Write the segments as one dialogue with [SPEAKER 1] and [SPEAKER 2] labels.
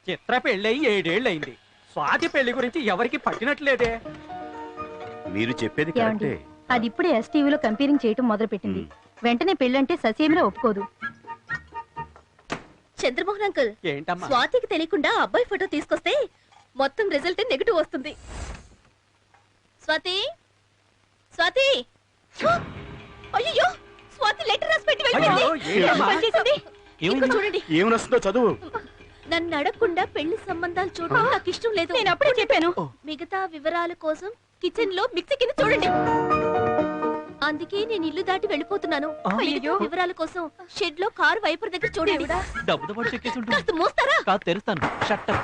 [SPEAKER 1] చిత్ర పెళ్ళయి 7 ఏళ్ళయింది. స్వాతి పెళ్లి గురించి ఎవరికి పట్టినట్లేదే.
[SPEAKER 2] మీరు చెప్పేది కరెక్టే.
[SPEAKER 3] అది ఇప్పుడే ఎస్టీవీలో కంపేరింగ్ చేయటం మొదలు పెట్టింది. వెంటనే పెళ్ళంటే ససేమిరా ఒప్పుకోదు.
[SPEAKER 4] చంద్రమోహన్ అంకుల్,
[SPEAKER 1] ఏంటమ్మా?
[SPEAKER 4] స్వాతికి తెలియకుండా అబ్బాయి ఫోటో తీసుకొస్తే మొత్తం రిజల్ట్ నెగటివ్ వస్తుంది. స్వాతి, స్వాతి, అయ్యో స్వాతి లెటర్ రాసి పెట్టి వెళ్ళింది. చూడండి,
[SPEAKER 2] ఏం వస్తుందో చదువు.
[SPEAKER 4] నన్ను అడగకుండా పెళ్లి సంబంధాలు చూడడం నాకు ఇష్టం లేదు.
[SPEAKER 3] నేను అప్పుడే చెప్పాను.
[SPEAKER 4] మిగతా వివరాల కోసం కిచెన్ లో మిక్సీ కింద చూడండి. అందుకే నేను ఇల్లు దాటి వెళ్ళిపోతున్నాను. వివరాల కోసం షెడ్ లో కారు వైపర్ దగ్గర చూడండి. కాస్త మోస్తారా?
[SPEAKER 1] తెరుస్తాను. షట్టర్.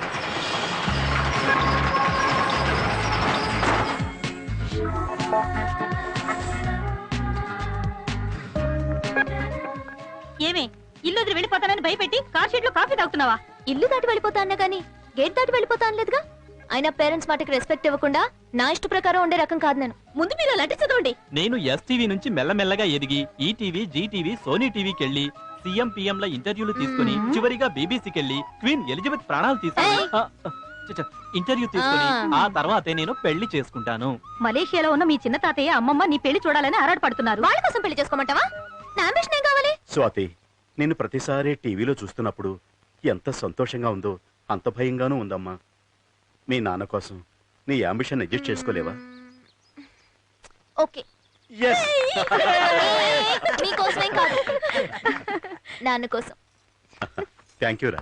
[SPEAKER 3] ఏమే ఇల్లు వదిలి వెళ్ళిపోతానని భయపెట్టి కార్ షెడ్ లో కాఫీ తాగుతున్నావా?
[SPEAKER 4] ఇల్లు దాటి వెళ్ళిపోతా అన్నా గానీ గేట్ దాటి వెళ్ళిపోతా అనలేదుగా. అయినా పేరెంట్స్ మాటకి రెస్పెక్ట్ ఇవ్వకుండా నా ఇష్ట ప్రకారం ఉండే రకం కాదు నేను. ముందు మీరు అలాంటి చదవండి.
[SPEAKER 1] నేను ఎస్టీవీ నుంచి మెల్లమెల్లగా ఎదిగి ఈటీవీ, జీటీవీ, సోనీ టీవీకి వెళ్ళి సీఎం పిఎం ల ఇంటర్వ్యూలు తీసుకుని చివరిగా బీబీసీకి వెళ్ళి క్వీన్ ఎలిజబెత్ ప్రాణాలు తీసుకుని ఇంటర్వ్యూ తీసుకుని ఆ తర్వాతే నేను పెళ్లి చేసుకుంటాను.
[SPEAKER 3] మలేషియాలో ఉన్న మీ చిన్న తాతయ్య అమ్మమ్మ నీ పెళ్లి చూడాలని ఆరాటపడుతున్నారు.
[SPEAKER 4] వాళ్ళ కోసం పెళ్లి చేసుకోమంటావా? నా అంబిషన్ ఏం కావాలి?
[SPEAKER 2] స్వాతి, నేను ప్రతిసారి టీవీలో చూస్తున్నప్పుడు ఎంత సంతోషంగా ఉందో అంత భయంగానూ ఉందమ్మా. మీ నాన్న కోసం నీ అంబిషన్ అడ్జస్ట్ చేసుకోలేవా?
[SPEAKER 4] ఓకే, మీకోసమేం కాదు, నాన్న కోసం.
[SPEAKER 2] థ్యాంక్ యూ రా.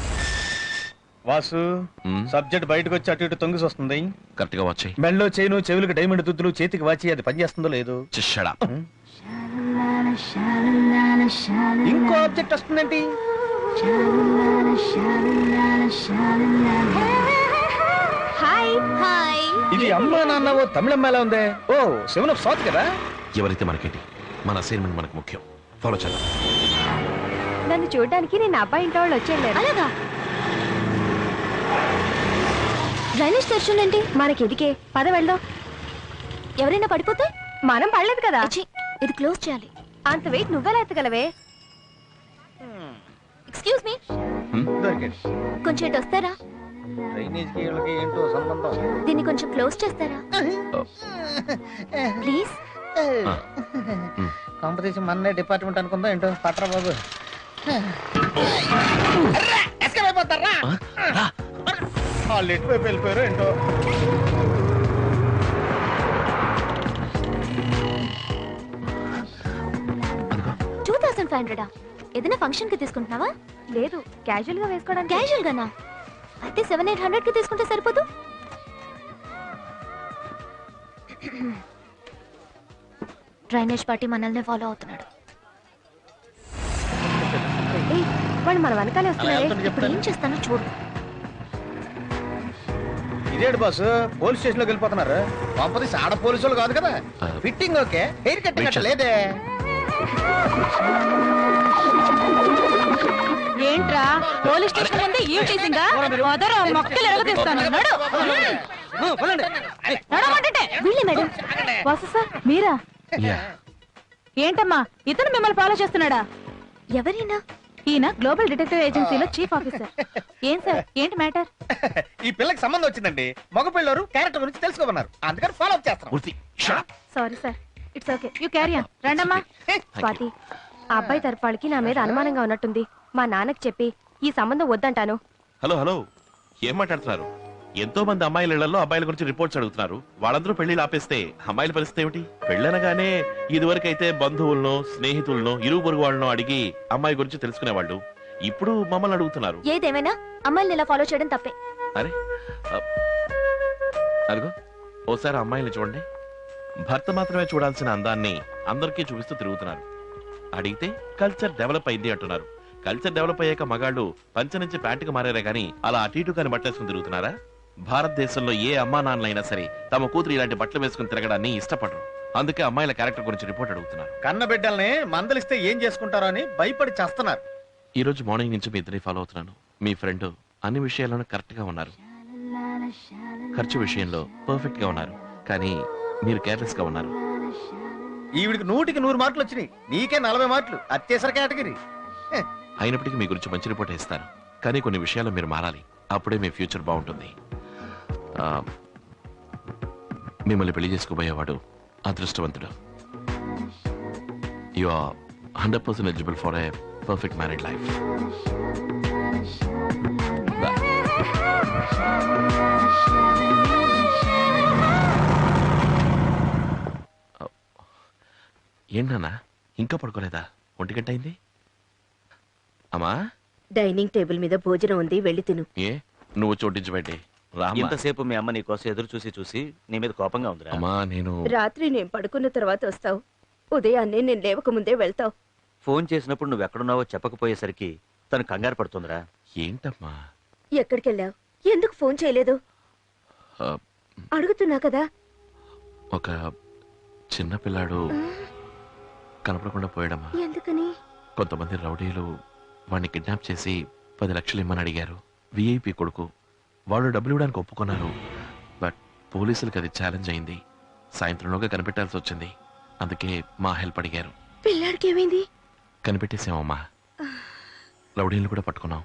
[SPEAKER 5] వాసు, సబ్జెక్ట్ బయటకు వచ్చి అటు ఇటు తొంగిసి వస్తుంది.
[SPEAKER 6] కరెక్ట్ గా వచ్చాయి.
[SPEAKER 5] మెళ్ళో చైను, చెవులకు డైమండ్ దుద్దులు, చేతికి వాచి, అది పనిచేస్తుందో లేదు. ఇంకో ఆబ్జెక్ట్ వస్తుందేంటి?
[SPEAKER 4] Hi hi.
[SPEAKER 5] ఇది అమ్మా నాన్నవో తమిళమ్మాలా ఉందే. ఓ శివన స్వాతి కదా.
[SPEAKER 6] ఎవరైతే మనకేంటి, మన అసైన్మెంట్ మనకు ముఖ్యం. ఫాలో చేద్దాం.
[SPEAKER 3] నన్ను చూడడానికి నేను అబ్బాయి ఇంట్లో వాళ్ళు వచ్చేయలేరు.
[SPEAKER 4] అలాగా? డ్రైనేజ్ తెరుచుందేంటి?
[SPEAKER 3] మనకి ఎదికే పద వెళ్దాం.
[SPEAKER 4] ఎవరైనా పడిపోతే?
[SPEAKER 3] మనం పడలేదు కదా.
[SPEAKER 4] ఇది క్లోజ్ చేయాలి.
[SPEAKER 3] అంత వెయిట్ నువ్వెలా ఎత్తగలవే?
[SPEAKER 4] ఎక్స్క్యూజ్ మీ, కొంచెం ఇటు వస్తారా?
[SPEAKER 5] డ్రైనేజ్ కి వీళ్ళకి ఏంటో సంబంధం.
[SPEAKER 4] దీన్ని కొంచెం క్లోజ్ చేస్తారా ప్లీజ్?
[SPEAKER 5] కాంపిటీషన్ మన డిపార్ట్మెంట్ అనుకుందా ఏంటో. పట్రా బాబు. అయిపోతారా? వాళ్ళు ఎటువైపు వెళ్ళిపోయారు ఏంటో.
[SPEAKER 4] ఏదైనా ఫంక్షన్ కి తీసుకుంటున్నావా?
[SPEAKER 3] లేదు, క్యాజువల్ గా వేసుకోవడానికి.
[SPEAKER 4] క్యాజువల్ గానా? అయితే 700-800 కి తీసుకుంటే సరిపోదు. డ్రైనేజ్ పార్టీ మనల్ని ఫాలో అవుతున్నాడు.
[SPEAKER 3] వాడు మన వెనకాలే వస్తున్నాడు.
[SPEAKER 4] ఇప్పుడు ఏం చేస్తానో చూడు.
[SPEAKER 5] ఇదేడు బాస్, పోలీస్ స్టేషన్ లోకి వెళ్ళిపోతున్నారు. పంపదీసి ఆడ పోలీసులు కాదు కదా. ఫిట్టింగ్ ఓకే, హెయిర్ కట్ కట్టలేదే.
[SPEAKER 3] ఏంట్రా పోలీస్ స్టేషన్ ముందే ఈ టీసింగా? మదర్ మొక్కలు ఎరగదీస్తాను.
[SPEAKER 4] వీళ్ళే మేడం.
[SPEAKER 3] వాసు సార్ మీరా? ఏంటమ్మా ఇతను మిమ్మల్ని ఫాలో చేస్తున్నాడా?
[SPEAKER 4] ఎవరైనా?
[SPEAKER 3] ఈయన గ్లోబల్ డిటెక్టివ్ ఏజెన్సీలో చీఫ్ ఆఫీసర్. ఏం సార్, ఏంటి మ్యాటర్?
[SPEAKER 5] ఈ పిల్లకి సంబంధం వచ్చిందండి. మగ పిల్లలు క్యారెక్టర్ గురించి తెలుసుకోమన్నారు, అందుకని ఫాలో అప్ చేస్తాం.
[SPEAKER 3] Sorry sir, it's okay, you carry on. రండమ్మా. స్వాతి, ఆ అబ్బాయి తరపాళ్ళకి నా మీద అనుమానంగా ఉన్నట్టుంది. మా నాన్నకి చెప్పి ఈ సంబంధం వద్దంటాను.
[SPEAKER 6] హలో హలో, ఏం మాట్లాడుతున్నారు? ఎంతో మంది అమ్మాయిల ఇళ్లలో అబ్బాయిల గురించి రిపోర్ట్స్ అడుగుతున్నారు. వాళ్ళందరూ పెళ్లిళ్ళు ఆపేస్తే అమ్మాయిల పరిస్థితి ఏమిటి? పెళ్ళనగానే ఇదివరకైతే బంధువులను, స్నేహితులను, ఇరుగు పొరుగు వాళ్ళను అడిగి అమ్మాయి గురించి తెలుసుకునేవాళ్ళు. ఇప్పుడు మమ్మల్ని అడుగుతున్నారు.
[SPEAKER 4] ఏదేమైనా అమ్మాయిని ఇలా ఫాలో చేయడం తప్పే.
[SPEAKER 6] అరే అరుగు, ఓసారి అమ్మాయిని చూడండి. భర్త మాత్రమే చూడాల్సిన అందాన్ని అందరికీ చూపిస్తూ తిరుగుతున్నారు. అడిగితే కల్చర్ డెవలప్ అయింది అంటున్నారు. కల్చర్ డెవలప్ అయ్యాక మగాళ్ళు పంచ నుంచి ప్యాంటుకు మారారే గానీ అలా అటు ఇటు కాని బట్టలేసుకుని తిరుగుతున్నారా? భారతదేశంలో ఏ అమ్మా నాన్నలైనా సరే తమ కూతురు ఇలాంటి బట్టలు వేసుకుని తిరగడాన్ని ఇష్టపడరు. అందుకే అమ్మాయిల క్యారెక్టర్ గురించి రిపోర్ట్ అడుగుతున్నారు.
[SPEAKER 5] కన్న బిడ్డల్ని మందలిస్తే ఏం చేసుకుంటారో అని భయపడి చేస్తున్నారు.
[SPEAKER 6] ఈ రోజు మార్నింగ్ నుంచి మీ ఇద్దరిని ఫాలో అవుతున్నాను. మీ ఫ్రెండ్ అన్ని విషయాల్లోనూ కరెక్ట్ గా ఉన్నారు. ఖర్చు విషయంలో పర్ఫెక్ట్ గా ఉన్నారు, కానీ మీరు కేర్లెస్ గా ఉన్నారు.
[SPEAKER 5] ఈవిడికి 100కి 100 మార్కులు వచ్చినాయి, నీకే 40 మార్కులు. అత్యవసర కేటగిరీ.
[SPEAKER 6] అయినప్పటికీ మీ గురించి మంచి రిపోర్ట్ ఇస్తాను. కానీ కొన్ని విషయాలు మీరు మారాలి. అప్పుడే మీ ఫ్యూచర్ బాగుంటుంది. మిమ్మల్ని పెళ్లి చేసుకోబోయేవాడు అదృష్టవంతుడు. You are 100% eligible for a perfect married life. ఏంటన్నా ఇంకా పడుకోలేదా? 1 గంట అయింది. అమ్మా,
[SPEAKER 7] డైనింగ్ టేబుల్ మీద భోజనం ఉంది, వెళ్ళి తిను.
[SPEAKER 6] ఏ నువ్వు చోటించి పెట్టి రామ్మా.
[SPEAKER 8] ఇంతసేపు మీ అమ్మ నీ కోసం ఎదురు చూసి చూసి నీ మీద కోపంగా ఉందిరా.
[SPEAKER 6] అమ్మా నేను
[SPEAKER 7] రాత్రి నేను పడుకున్న తర్వాత వస్తావు, ఉదయాన్నే నేను లేవక ముందే వెళ్తావు.
[SPEAKER 8] ఫోన్ చేసినప్పుడు నువ్వు ఎక్కడున్నావో చెప్పకపోయేసరికి తను కంగారు పడుతుందిరా.
[SPEAKER 6] ఏంటమ్మా?
[SPEAKER 7] ఎక్కడికెళ్ళావు? ఎందుకు ఫోన్ చేయలేదు?
[SPEAKER 6] ఆ,
[SPEAKER 7] అడుగుతున్నా కదా.
[SPEAKER 6] ఒక చిన్న పిల్లాడు కనపడకుండా పోయాడమ్మా.
[SPEAKER 7] ఎందుకని?
[SPEAKER 6] కొంతమంది రౌడీలు వాడిని కిడ్నాప్ చేసి 10 లక్షలు ఇమ్మని అడిగారు. విఐపి కొడుకు. వాళ్ళు డబ్బులు ఇవ్వడానికి ఒప్పుకున్నారు. బట్ పోలీసులకు అది ఛాలెంజ్ అయింది. సాయంత్రంలోగా కనిపెట్టాల్సి వచ్చింది. అందుకే మా హెల్ప్ అడిగారు.
[SPEAKER 7] పిల్లాడికి ఏమైంది?
[SPEAKER 6] కనిపెట్టేసామమ్మా. రౌడీలు కూడా పట్టుకున్నాం.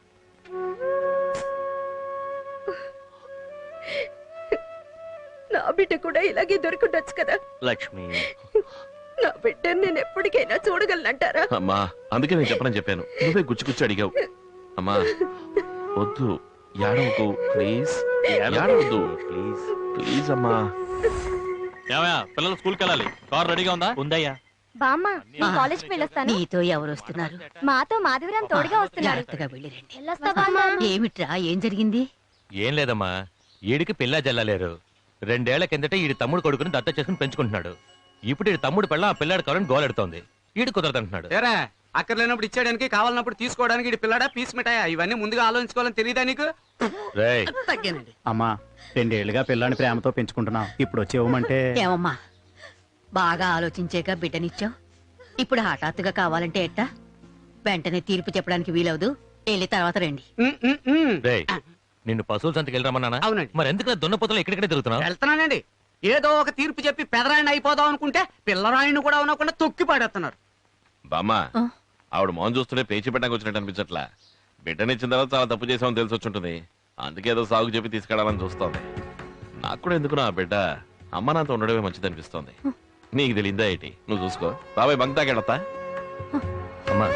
[SPEAKER 7] నా బిడ్డ కూడా ఇలాగే దొరికిండొచ్చు కదా.
[SPEAKER 8] లక్ష్మి,
[SPEAKER 7] నా బిడ్డని నేను ఎప్పటికైనా చూడగలనంటారా?
[SPEAKER 6] అమ్మా అందుకే నేను చెప్పనని చెప్పాను. నువ్వే గుచ్చి అడిగావు. అమ్మా వద్దు, ఏడవకు ప్లీజ్. ఏడవద్దు
[SPEAKER 8] ప్లీజ్.
[SPEAKER 6] ప్లీజ్ అమ్మా.
[SPEAKER 1] ఏమయ్యా, పిల్లలు స్కూల్కి వెళ్ళాలి. కార్ రెడీగా ఉందా?
[SPEAKER 8] ఉందయ్యా.
[SPEAKER 3] బామ్మ, నేను కాలేజ్కి వెళ్ళొస్తాను.
[SPEAKER 7] నీతో ఎవరు వస్తున్నారు?
[SPEAKER 3] మాతో మాధవరాం తోడుగా వస్తున్నారు.
[SPEAKER 7] జాగ్రత్తగా వెళ్ళిరండి.
[SPEAKER 3] వెళ్ళొస్తా బామ్మ.
[SPEAKER 7] ఏమిట్రా, ఏం జరిగింది?
[SPEAKER 9] ఏం లేదమ్మా, ఈడికి పిల్ల జల్లలేరు. 2 ఏళ్ల కిందట ఈడి తమ్ముడు కొడుకుని దత్త చేసుకుని పెంచుకుంటున్నాడు. ఇప్పుడు ఈడి తమ్ముడు పిల్ల ఆ పిల్లాడు కావాలని గోలెడుతోంది. ఈడు కుదరదంటున్నాడు.
[SPEAKER 10] ఏరా, అక్కర్లేనప్పుడు ఇచ్చేయడానికి, కావాలన్నప్పుడు తీసుకోవడానికి ఈడి పిల్లాడా పీస్ మిఠాయా? ఇవన్నీ ముందుగా ఆలోచించుకోవాలని తెలియదా నీకు?
[SPEAKER 9] రేయ్,
[SPEAKER 5] అమ్మా 2 ఏళ్ళుగా పిల్లాని ప్రేమతో పెంచుకుంటున్నాం, ఇప్పుడు వచ్చి ఇవ్వమంటే?
[SPEAKER 7] ఏమమ్మా, బాగా ఆలోచించాక బిడ్డనిచ్చావు, ఇప్పుడు హఠాత్తుగా కావాలంటే ఎట్టా? వెంటనే తీర్పు చెప్పడానికి వీలవదు. వెళ్ళి తర్వాత రండి.
[SPEAKER 9] రేయ్, నిన్ను పశువుల సంతకి వెళ్ళరమన్నానా?
[SPEAKER 10] అవునండి.
[SPEAKER 9] మరి ఎందుకు దున్నపోతలు ఎక్కడెక్కడ తిరుగుతున్నావు?
[SPEAKER 10] వెళ్తున్నానండి. ఏదో ఒక తీర్పు చెప్పి పెదరాయణ అయిపోదాం అనుకుంటే పిల్లరాయణ కూడా ఉండకుండా తొక్కి పాడేస్తున్నారు.
[SPEAKER 6] బామ్మా, ఆవిడ మౌన్ చూస్తుంటే పేచి పెట్టడానికి వచ్చినట్టు అనిపించట్లా. బిడ్డనిచ్చిన తర్వాత చాలా తప్పు చేసామని తెలిసి వచ్చుంటుంది. అందుకే ఏదో సాగు చెప్పి తీసుకెళ్లాలని చూస్తోంది. నాకు కూడా ఎందుకు నా బిడ్డ అమ్మ నాతో ఉండడమే మంచిది అనిపిస్తోంది. నీకు తెలియదా ఏంటి? నువ్వు చూసుకో. బాబాయ్ బంక్ తాకెళ్తా.
[SPEAKER 9] అమ్మా,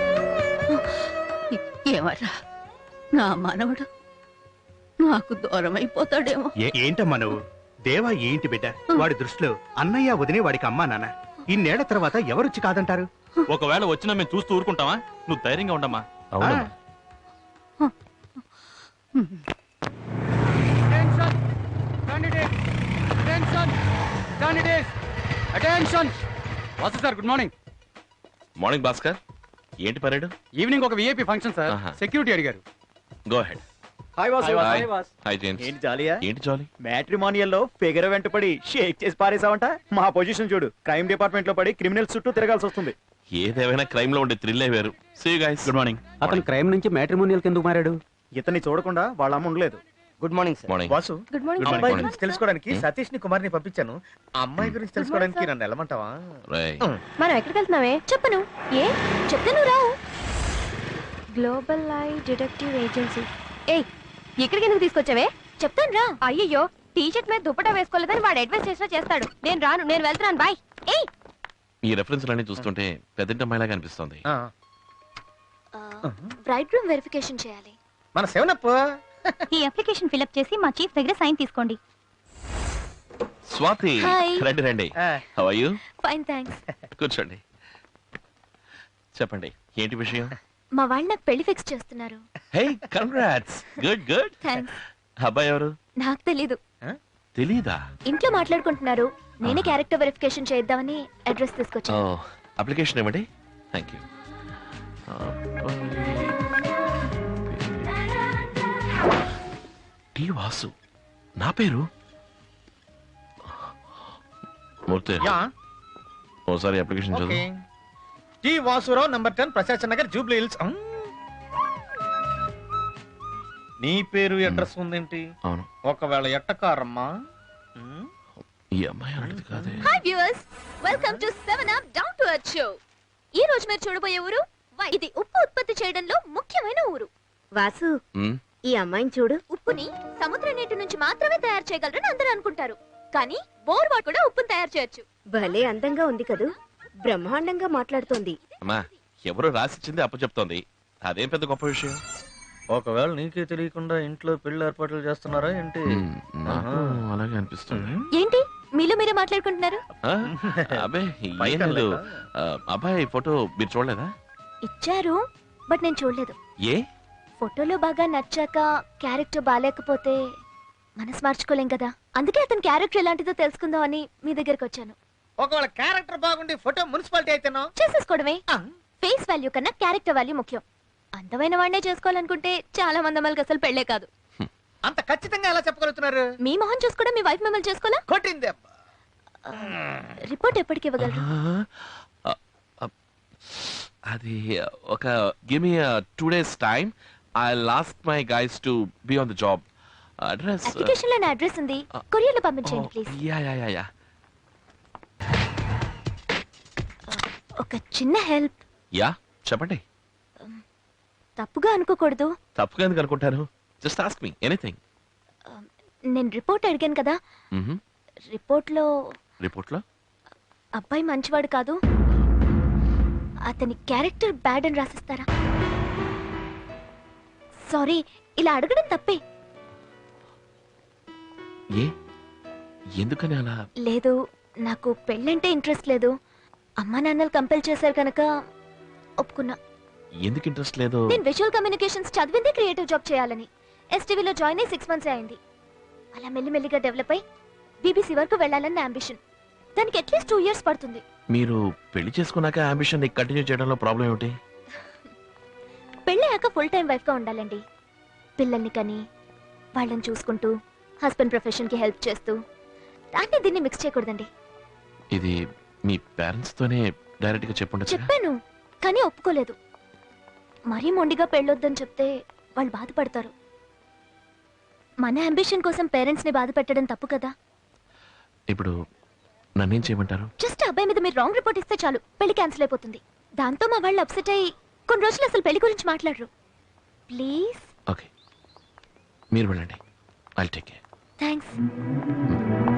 [SPEAKER 7] ఏమరా, నా మనవడు నాకు దూరం అయిపోతాడేమో.
[SPEAKER 5] ఏంటమ్మా నువ్వు? దేవా ఏంటి బిడ్డ? వాడి దృష్టిలో అన్నయ్య వదినే వాడికి అమ్మా నాన్న. ఇన్నేళ్ల తర్వాత ఎవరొచ్చి కాదంటారు?
[SPEAKER 1] ఒకవేళ వచ్చినా మేము చూస్తూ ఊరుకుంటావా? నువ్వు ధైర్యంగా ఉండమ్మా.
[SPEAKER 9] అవునమ్మా.
[SPEAKER 10] Sir, good morning.
[SPEAKER 6] Morning Bhaskar. ఏంటి పరేడు?
[SPEAKER 10] ఈవినింగ్ ఒక విఐపి ఫంక్షన్ సార్.
[SPEAKER 6] ఆహా.
[SPEAKER 10] సెక్యూరిటీ అడిగారు.
[SPEAKER 6] Go ahead.
[SPEAKER 5] Hi Vasu.
[SPEAKER 6] Hi. Hi James.
[SPEAKER 5] ఏంటి జాలియా?
[SPEAKER 6] ఏంటి జాలీ?
[SPEAKER 5] మ్యాట్రిమోనియల్ లో ఫిగర్ వెంటపడి షేక్ చేసి పారేసావంట. మా పొజిషన్ చూడు, క్రైమ్ డిపార్ట్మెంట్ లో పడి క్రిమినల్స్ చుట్టూ తిరగాల్సి వస్తుంది.
[SPEAKER 6] ఏదేమైనా క్రైమ్ లో ఉండే థ్రిల్లే వేరు. See you guys.
[SPEAKER 1] Good morning.
[SPEAKER 10] అతను క్రైమ్ నుంచి మ్యాట్రిమోనియల్ కిందకు మారాడు.
[SPEAKER 5] ఇతన్ని చూడకుండా వాళ్ళ అమ్మ ఉండలేదు.
[SPEAKER 10] Good morning sir.
[SPEAKER 6] Morning.
[SPEAKER 5] Vasu,
[SPEAKER 3] good morning.
[SPEAKER 6] Good
[SPEAKER 5] అమ్మాయి
[SPEAKER 6] morning.
[SPEAKER 5] గురించి తెలుసుకోవడానికి సతీష్ ని కుమార్ ని పంపించాను. ఆ అమ్మాయి గురించి తెలుసుకోవడానికి నన్ను వెళ్ళమంటావా?
[SPEAKER 6] రేయ్,
[SPEAKER 3] మనం ఎక్కడికి వెళ్తున్నావే? చెప్పను. ఏ చెప్తే నువ్వు రావు. Global I detective agency. ఏయ్, ఇక్కడికి ఎందుకు తీసుకొచ్చావే? చెప్తాను రా. అయ్యయ్యో, టీ షర్ట్ మీద దుపట్టా వేసుకోలేదని వాడు అడ్వైస్ చేసినా చేస్తాడు. నేను రాను, నేను వెళ్తున్నాను. బాయ్. ఏయ్,
[SPEAKER 6] ఈ రెఫరెన్స్ అన్ని చూస్తుంటే పెద్దంటి అమ్మాయిలాగా అనిపిస్తోంది.
[SPEAKER 4] బ్రైడ్ రూమ్ వెరిఫికేషన్ చేయాలి.
[SPEAKER 10] మన సెవెనప్.
[SPEAKER 3] ఈ అప్లికేషన్ ఫిల్అప్ చేసి మా చీఫ్ దగ్గర సైన్ తీసుకోండి.
[SPEAKER 6] స్వాతి,
[SPEAKER 4] Hi.
[SPEAKER 6] రండి రండి. How are you?
[SPEAKER 4] Fine, thanks.
[SPEAKER 6] కూర్చోండి. చెప్పండి, ఏంటి విషయం?
[SPEAKER 4] మా వాళ్ళు నాకు పెళ్లి ఫిక్స్ చేస్తున్నారు.
[SPEAKER 6] Hey, congrats. Good good.
[SPEAKER 4] Thanks.
[SPEAKER 6] అబ్బాయి ఎవరు?
[SPEAKER 4] నాకు తెలీదు.
[SPEAKER 6] తెలీదా?
[SPEAKER 4] ఇంట్లో మాట్లాడుకుంటున్నారు. నేనే క్యారెక్టర్ వెరిఫికేషన్ చేద్దామని అడ్రస్
[SPEAKER 6] ఓ,
[SPEAKER 4] తీసుకొచ్చాను.
[SPEAKER 6] అప్లికేషన్ ఇవ్వండి. Thank you. టి వాసు, నా పేరు మూర్తి. ఓసారి అప్లికేషన్ చదువు.
[SPEAKER 5] T Vasurao, number 10, Prashant Nagar, Jubilee Hills. నీ పేరు అడ్రస్ ఉందేంటి?
[SPEAKER 6] అవును,
[SPEAKER 5] ఒకవేళ ఎట్టకారమ్మా?
[SPEAKER 6] ఈ అమ్మాయి అలాంటిది కాదే.
[SPEAKER 4] Hi viewers, welcome to 7 up down to earth show. ఈ రోజు మీరు చూడబోయే ఊరు ఇది ఉప్పు ఉత్పత్తి చేయడంలో ముఖ్యమైన ఊరు.
[SPEAKER 3] వాసు
[SPEAKER 6] ఉమ్,
[SPEAKER 3] ఈ అమ్మాయిని చూడు.
[SPEAKER 4] ఉప్పుని సముద్ర నీటి నుంచి మాత్రమే తయారు చేయగలరని అందరూ అనుకుంటారు కానీ బోర్ వాడు కూడా ఉప్పుని తయారు చేయొచ్చు.
[SPEAKER 3] భలే అందంగా ఉంది కదూ, బ్రహ్మాండంగా మాట్లాడుతోంది.
[SPEAKER 6] అమ్మా ఎవరో రాసిచ్చింది అప్పు చెప్తోంది, అదేం పెద్ద గొప్ప విషయం.
[SPEAKER 5] ఒకవేళ నీకే తెలియకుండా ఇంట్లో పెళ్లి ఏర్పాట్లు చేస్తున్నారా ఏంటి?
[SPEAKER 6] ఉమ్, నాకు అలాగే అనిపిస్తుంది.
[SPEAKER 4] ఏంటి మీలో మీరే మాట్లాడుకుంటున్నారు?
[SPEAKER 6] ఆ, అబ్బే ఏం లేదు. అబ్బాయి ఫోటో మీరు చూడలేదా?
[SPEAKER 4] ఇచ్చారు బట్ నేను చూడలేదు.
[SPEAKER 6] ఏ
[SPEAKER 4] ఫోటోలో బాగా నచ్చాక క్యారెక్టర్ బాగాలేకపోతే మనసు మార్చుకోలేం కదా, అందుకే అతని క్యారెక్టర్ ఎలాంటిదో తెలుసుకుందాం అని మీ దగ్గరికి వచ్చాను.
[SPEAKER 5] ఒకవేళ క్యారెక్టర్ బాగుండి ఫోటో మున్సిపాలిటీ అయితేనో
[SPEAKER 4] చేసేసుకోవడమే. ఫేస్ వాల్యూ కన్నా క్యారెక్టర్ వాల్యూ ముఖ్యం. అందమైన వాడినే చేసుకోవాలనుకుంటే చాలా మంది అమ్మాయిలకి అసలు పెళ్లే కాదు.
[SPEAKER 5] అంత ఖచ్చితంగా ఎలా చెప్పగలుగుతున్నారు?
[SPEAKER 4] మీ మొహం చూసుకోవడం మీ వైఫ్ మిమ్మల్ని చేసుకోవాలా?
[SPEAKER 5] కొట్టింది.
[SPEAKER 4] రిపోర్ట్ ఎప్పటికి ఇవ్వగలరు?
[SPEAKER 6] అది ఒక give me 2 days time. I lost my guys to be on the job. Address
[SPEAKER 4] application లో నా అడ్రస్ ఉంది, కొరియర్ లో పంపించండి please.
[SPEAKER 6] Yeah yeah yeah yeah.
[SPEAKER 4] ఒక చిన్న హెల్ప్.
[SPEAKER 6] యా చెప్పండి.
[SPEAKER 4] తప్పుగా అనుకోకూడదు.
[SPEAKER 6] తప్పుగా ఎందుకు అనుకుంటాను? Just ask me anything.
[SPEAKER 4] నేను రిపోర్ట్ అడిగాను కదా, రిపోర్ట్లో
[SPEAKER 6] రిపోర్ట్లో
[SPEAKER 4] అబ్బాయి మంచివాడు కాదు, అతని క్యారెక్టర్ బ్యాడ్ అని రాసిస్తారా? సారీ, ఇలా అడగడం తప్పే.
[SPEAKER 6] ఏ ఎందుకని అలా?
[SPEAKER 4] లేదు, నాకు పెళ్ళంటే ఇంట్రెస్ట్ లేదు. అమ్మా నాన్నలు కంపెల్ చేశారు కనుక ఒప్పుకున్నా.
[SPEAKER 6] ఎందుకు ఇంట్రెస్ట్ లేదు?
[SPEAKER 4] నేను విజువల్ కమ్యూనికేషన్స్ చదివింది క్రియేటివ్ జాబ్ చేయాలని. ఎస్టీవీలో జాయిన్ అయ్యి 6 months అయింది. అలా మెల్లిమెల్లిగా డెవలప్ అయి బీబీసీ వరకు వెళ్ళాలని నా అంబిషన్. దానికి అట్లీస్ట్ 2 years పడుతుంది.
[SPEAKER 6] మీరు పెళ్లి చేసుకున్నాక అంబిషన్ కంటిన్యూ చేయడంలో ప్రాబ్లం ఏమిటి?
[SPEAKER 4] పెళ్ళయ్యాక ఫుల్ టైం వైఫ్ గా ఉండాలండి. పిల్లల్ని కని వాళ్ళని చూసుకుంటూ హస్బెండ్ ప్రొఫెషన్ కి హెల్ప్ చేస్తూ, దాన్ని దీన్ని మిక్స్ చేయకూడదండి.
[SPEAKER 6] ఇది మీ పేరెంట్స్ తోనే డైరెక్ట్ గా చెప్పుండొచ్చు.
[SPEAKER 4] చెప్పాను కానీ ఒప్పుకోలేదు. మరీ మొండిగా పెళ్ళొద్దని చెప్తే వాళ్ళు బాధపడతారు. మన అంబిషన్ కోసం పేరెంట్స్ ని బాధ పెట్టడం తప్పు కదా.
[SPEAKER 6] ఇప్పుడు నన్నేం చేయమంటారు?
[SPEAKER 4] జస్ట్ అబ్బాయి మీద మీరు రాంగ్ రిపోర్ట్ ఇస్తే చాలు, పెళ్లి క్యాన్సిల్ అయిపోతుంది. దాంతో మా వాళ్ళు అప్సెట్ అయ్యి కొన్ని రోజులు అసలు పెళ్లి గురించి మాట్లాడరు. ప్లీజ్.
[SPEAKER 6] ఓకే మీరు వెళ్ళండి, ఐల్ టేక్ కేర్.
[SPEAKER 4] థ్యాంక్స్.